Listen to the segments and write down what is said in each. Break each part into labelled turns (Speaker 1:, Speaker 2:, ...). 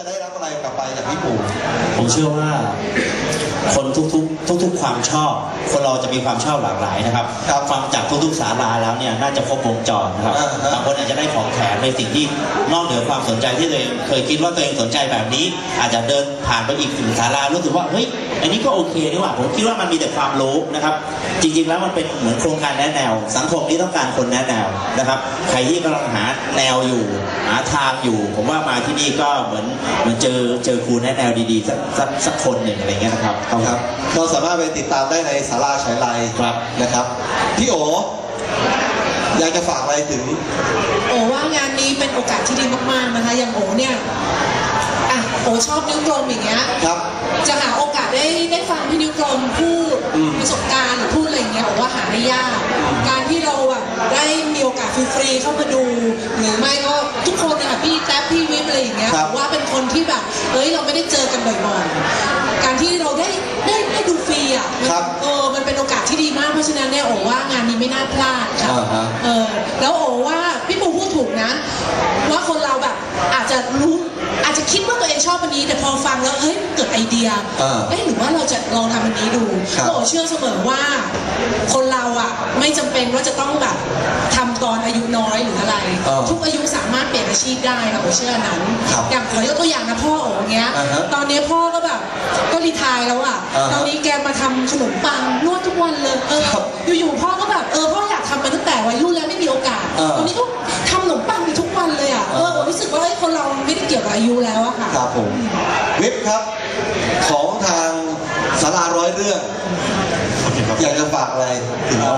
Speaker 1: จะได้รับอะไรกลับไปจากพี่ปู่
Speaker 2: ผมเชื่อว่าคนทุกความชอบคนเราจะมีความชอบหลากหลายนะครับฟังจากทุกศาลาแล้วเนี่ยน่าจะครบวงจรนะครับบางคนอาจจะได้ของแถมในสิ่งที่นอกเหนือความสนใจที่ตัวเองเคยคิดว่าตัวเองสนใจแบบนี้อาจจะเดินผ่านไปอีกถึงศาลารู้สึกว่าเฮ้ยอันนี้ก็โอเคนี่หว่าผมคิดว่ามันมีแต่ความรู้นะครับจริงๆแล้วมันเป็นเหมือนโครงการแนะแนวสังคมที่ต้องการคนแนะแนวนะครับใครที่กำลังหาแนวอยู่หาทางอยู่ผมว่ามาที่นี่ก็เหมือนเจอครูแนะแนวดีๆสักคนหนึ่งอะไรเงี้ยนะครับ
Speaker 1: เราสามารถไปติดตามได้ในศาลาฉายไลนะครับพี่โออยากจะฝากอะไรถึง
Speaker 3: โอว่างานนี้เป็นโอกาสที่ดีมากๆนะคะอย่างโอเนี่ยโอชอบนิ้วกลมอย่างเงี้ยจะหาโอกาสได้ฟังพี่นิ้วกลมพูดประสบการณ์หรือพูดอะไรอย่างเงี้ยโอว่าหาได้ยากการที่เราแบบได้มีโอกาสฟรีๆเข้ามาดูหรือไม่ก็ทุกคนนะคะพี่แจ๊บพี่วิปอะไรอย่างเงี้ยว่าเป็นคนที่แบบเราไม่ได้เจอกันบ่อยๆการที่เราได้ดูฟรีมันเป็นโอกาสที่ดีมากเพราะฉะนั้นเนี่ยโอว่างานนี้ไม่น่าพลาดค่ะแล้วโอว่าพี่ปูพูดถูกนะว่าคนเราแบบอาจจะคิดว่าตัวเองชอบอันนี้แต่พอฟังแล้วเกิดไอเดียหรือว่าเราจะลองทำอันนี้ดูโอเชื่อเสมอว่าคนเราไม่จำเป็นว่าจะต้องแบบทำตอนอายุน้อยหรืออะไรทุกอายุสามารถเปลี่ยนอาชีพได้ค่ะโอเชื่อนั้นอย่างขอยกตัวอย่างนะพ่อโอเงี้ยตอนนี้พ่อก็แบบก็รีไทร์แล้วตอนนี้แกมาทำขนมปังนวดทุกวันเลยอยู่ๆพ่อก็แบบพ่ออยากทำมาตั้งแต่วัยรุ่นแล้วไม่มีโอกาสตอนนี้ก็ทำขนมปังทุกวันเลยรู้สึกว่าคนเราไม่ได้เกี่ยวกับอายุแล้วค่ะ
Speaker 1: ครับผมวิปครับของทางศาลาร้อยเรื่องอยากจะฝากอะไรถึงเรา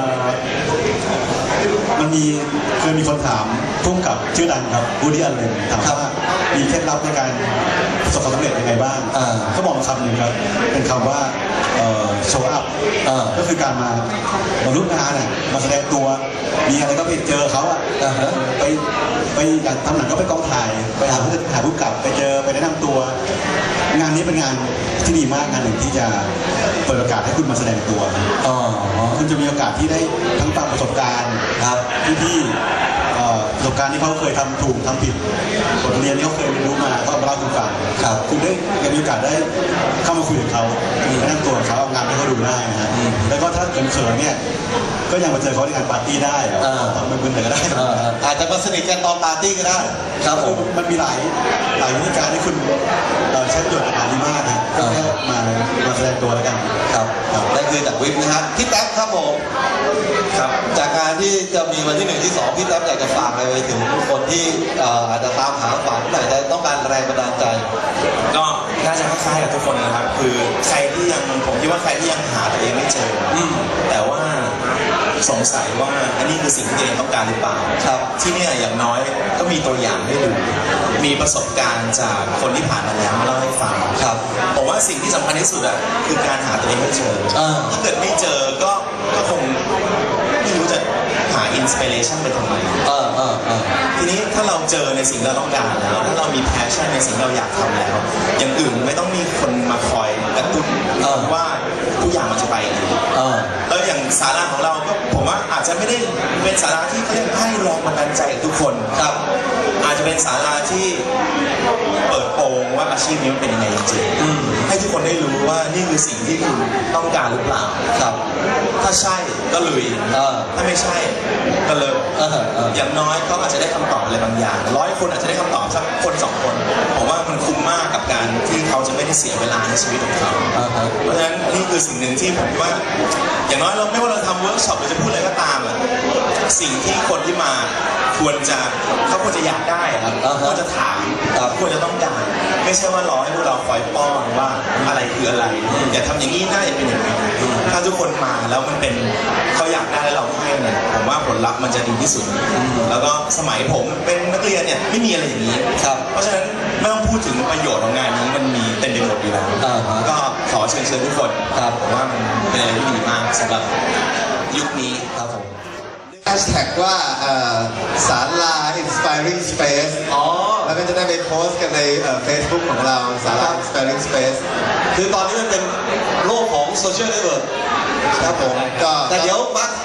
Speaker 4: มันเคยมีคนถามพุ่งกับชื่อดังครับบูดี้อัลเลนถามว่ามีเคล็ดลับในการประสบความสำเร็จยังไงบ้างเขาบอกคำหนึ่งครับเป็นคำว่าโชว์อัพก็คือการมาร่วมงานมาแสดงตัวมีอะไรก็ไปเจอเขาไปอยากทำหนังก็ไปกองถ่ายไปหาผู้กำกับไปเจอไปแนะนำตัวงานนี้เป็นงานที่ดีมากงานหนึ่งที่จะเปิดโอกาสให้คุณมาแสดงตัวคุณจะมีโอกาสที่ได้ทั้งฟังประสบการณ์ที่ประสบการณ์ที่เขาเคยทำถูกทำผิดบทเรียนที่เขาเคยเรียนรู้มาเขามาเล่าคุณฟังคุณได้มีโอกาสได้เข้ามาคุยกับเขาแนะนำตัวเขาเอางานให้เขาดูได้นะฮะแล้วก็ถ้าเขินๆเนี่ยก็ยังมาเจอเขาในงานปาร์ตี้ได้ทำมึนๆก็ได้
Speaker 1: อาจจะมาสนิทกันตอนปาร์ตี้ก็ได้
Speaker 4: ครับผมมันมีหลายวิธีการที่คุณใช้ประโยชน์กับงานนี้มากนะก็แค่มาแสดงตัวแล้วกัน
Speaker 1: ครับนั่นคือจากวิปนะครับพี่แท็บครับผมครับจากการที่จะมีวันที่1ที่2พี่แท็บอยากจะฝากอะไรไปถึงคนที่อาจจะตามหาฝันแต่จะต้องการแรงบันดาลใจ
Speaker 5: ก็น่าจะคล้ายๆกับทุกคนนะครับคือใครที่ยังผมคิดว่าใครที่ยังหาตัวเองไม่เจอแต่ว่าสงสัยว่าอันนี้คือสิ่งที่ตัวเองต้องการหรือเปล่า
Speaker 1: ครับ
Speaker 5: ที่นี่อย่างน้อยก็มีตัวอย่างให้ดูมีประสบการณ์จากคนที่ผ่านมาแล้วมาเล่าให้ฟัง
Speaker 1: ครับ
Speaker 5: ผมว่าสิ่งที่สำคัญที่สุดคือการหาตัวเองให้เจอถ้าเกิดไม่เจอก็คงไม่รู้จะหาอินสปิเรชันไปทำไมทีนี้ถ้าเราเจอในสิ่งที่เราต้องการแล้วถ้าเรามีแพชชั่นในสิ่งที่เราอยากทำแล้วอย่างอื่นไม่ต้องมีคนมาคอยกระตุ้นว่าทุกอย่างมันจะไปดีแล้วอย่างศาลาของเราก็ผมว่าอาจจะไม่ได้เป็นศาลาที่เขาเรียกให้แรงบันดาลใจทุกคน
Speaker 1: ครับ
Speaker 5: อาจจะเป็นศาลาที่เปิดโปงว่าอาชีพนี้มันเป็นยังไงจริงๆให้ทุกคนได้รู้ว่านี่คือสิ่งที่คุณต้องการหรือเปล่า
Speaker 1: ครับ
Speaker 5: ถ้าใช่ก็ลุยถ้าไม่ใช่ก็เลิกอย่างน้อยก็อาจจะได้คำตอบอะไรบางอย่าง100 คนอาจจะได้คำตอบสักคน2 คนผมว่ามันคุ้มมากกับการที่เขาจะไม่ได้เสียเวลาในชีวิตของเขาเพราะฉะนั้นนี่คือสิ่งหนึ่งที่ผมว่าอย่างน้อยเราไม่ว่าเราทำเวิร์กช็อปหรือจะพูดอะไรก็ตามสิ่งที่คนที่มาเขาควรจะอยากได้ครับควรจะถามควรจะต้องการไม่ใช่ว่ารอให้พวกเราคอยป้อนว่าอะไรคืออะไรอย่าทำอย่างนี้น่าจะเป็นอย่างนี้ถ้าทุกคนมาแล้วมันเป็นเขาอยากได้แล้วเราให้เนี่ยผมว่าผลลัพธ์มันจะดีที่สุดแล้วก็สมัยผมเป็นนักเรียนเนี่ยไม่มีอะไรอย่างนี้เพราะฉะนั้นไม่ต้องพูดถึงประโยชน์ของงานนี้มันมีเต็มไปหมดอยู่แล้วก็ขอเชิญทุกคนผมว่ามันเป็นอะไรที่ดีมากสำหรับยุคนี้ครับผม
Speaker 1: แฮชแท็กว่าศาลา Inspiring Space แล้วก็จะได้ไปโพสต์กันในFacebook ของเราศาลา Inspiring Space คือตอนนี้มันเป็นโลกของโซเชียลเน็ตเวิร์กครับผมก็แต่เดี๋ยวมา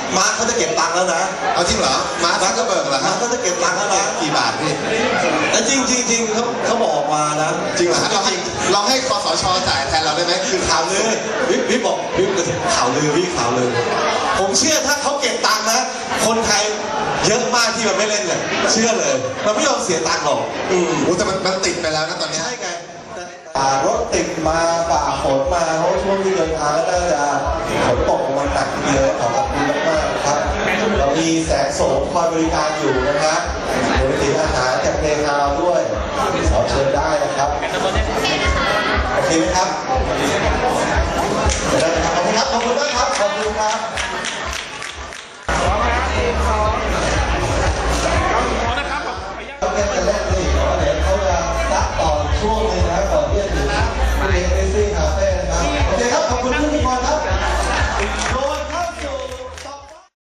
Speaker 1: มาร์คเขาจะเก็บตังค์แล้วนะ
Speaker 6: เอาจริงเหรอมาร์คก็เบิกเหรอค
Speaker 1: มา
Speaker 6: รับ
Speaker 1: ร์คเขาจะเก็บตังค์แล้วนะ
Speaker 6: กี่บาทพี่
Speaker 1: แต่จริงเขาบอกมานะ
Speaker 6: จริงเหรอฮะเราให้คสชจ่ายแทนเราได้ไหมคือ
Speaker 1: ข่าวลือพี่บอกพี่ข่าวลือพี่ข่าวลือผมเชื่อถ้าเขาเก็บตังค์นะคนไทยเยอะมากที่มันไม่เล่นเลยเชื่อเลยมันไม่ยอมเสียตังค์หรอก
Speaker 6: แต่มันติดไปแล้วนะตอนนี้
Speaker 1: ใช่ไงรถติดมาฝ่าฝนมาเพราะช่วงที่เดินทางน่าจะฝนตกมาหนักทีเดียวขอบคุณมากๆครับเรามีแสงโสมคอยบริการอยู่นะครับรวมถึงอาหารจากเพลงฮาวด้วยขอเชิญได้นะครับโอเคไหมครับขอบคุณครับขอบคุณมากครับขอบคุณครับ